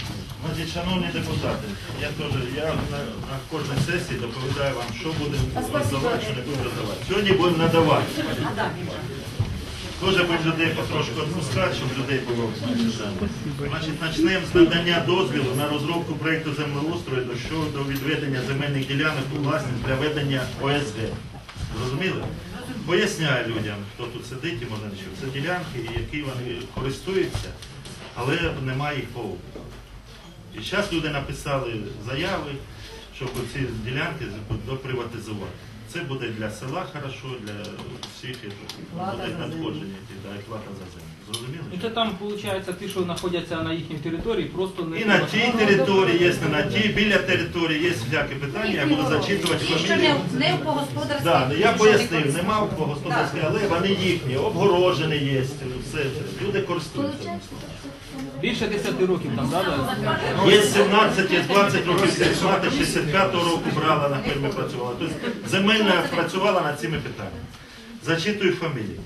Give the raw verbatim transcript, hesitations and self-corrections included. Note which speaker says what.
Speaker 1: Значить, шановні депутати, я теж я на, на кожній сесії доповідаю вам, що будемо роздавати, що не будемо роздавати. Сьогодні будемо надавати. Теж будемо людей потрошку відпускати, щоб людей було. Значить, почнемо з надання дозволу на розробку проєкту землеустрою щодо відведення земельних ділянок у власність для ведення О С Г. Зрозуміли? Поясняю людям, хто тут сидить і може не чув. Це ділянки, які вони користуються, але немає їх по обліку. І зараз люди написали заяви, щоб ці ділянки доприватизувати. Це буде для села хорошо, для всіх буде надходження, да, і плата за землю. Зрозуміло?
Speaker 2: Ну, це там, виходить, ті, що знаходяться на їхній території, просто не...
Speaker 1: І на тій території є, не на тій, біля території є всякі питання, я буду зачитувати
Speaker 3: Ті, що
Speaker 1: фамілії.
Speaker 3: не, не по господарській.
Speaker 1: Да, я пояснив, нема по господарській, але вони їхні, обгорожені є, все, люди користуються.
Speaker 2: Більше десяти років там, да?
Speaker 1: Є сімнадцять, є двадцять років, мати шістдесят п'ятого року брала, на фермі працювала. Тобто земельна працювала над цими питаннями. Зачитую фамілії.